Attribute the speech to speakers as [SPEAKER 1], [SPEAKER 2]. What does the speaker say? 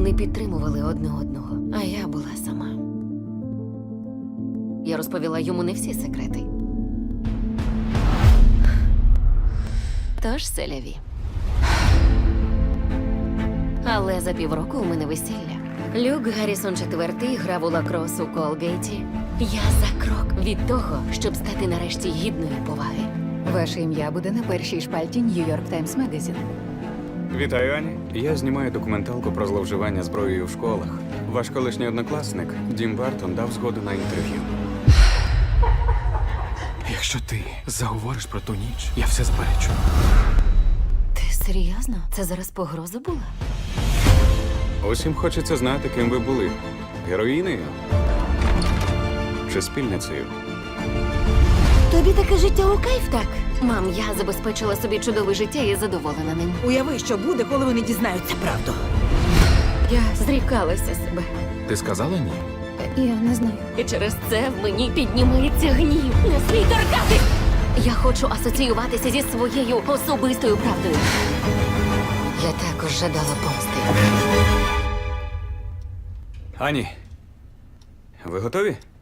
[SPEAKER 1] Вони підтримували одне одного, а я була сама. Я розповіла йому не всі секрети. Тож селяві. Але за півроку у мене весілля. Люк Гаррісон IV грав у лакрос у Колгейті. Я за крок від того, щоб стати нарешті гідною поваги.
[SPEAKER 2] Ваше ім'я буде на першій шпальті New York Times Magazine.
[SPEAKER 3] Вітаю, Ані. Я знімаю документалку про зловживання зброєю в школах. Ваш колишній однокласник Дім Бартон дав згоду на інтерв'ю.
[SPEAKER 4] Якщо ти заговориш про ту ніч, я все заперечу.
[SPEAKER 1] Ти серйозно? Це зараз погроза була?
[SPEAKER 3] Усім хочеться знати, ким ви були. Героїнею? Чи спільницею?
[SPEAKER 1] Тобі таке життя у кайф, так? Мам, я забезпечила собі чудове життя і задоволена ним.
[SPEAKER 5] Уяви, що буде, коли вони дізнаються правду.
[SPEAKER 1] Я зрікалася себе.
[SPEAKER 4] Ти сказала ні?
[SPEAKER 2] Я не знаю.
[SPEAKER 1] І через це в мені піднімається гнів. Не смій торкати! Я хочу асоціюватися зі своєю особистою правдою. Я також жадала помсти.
[SPEAKER 3] Ані, ви готові?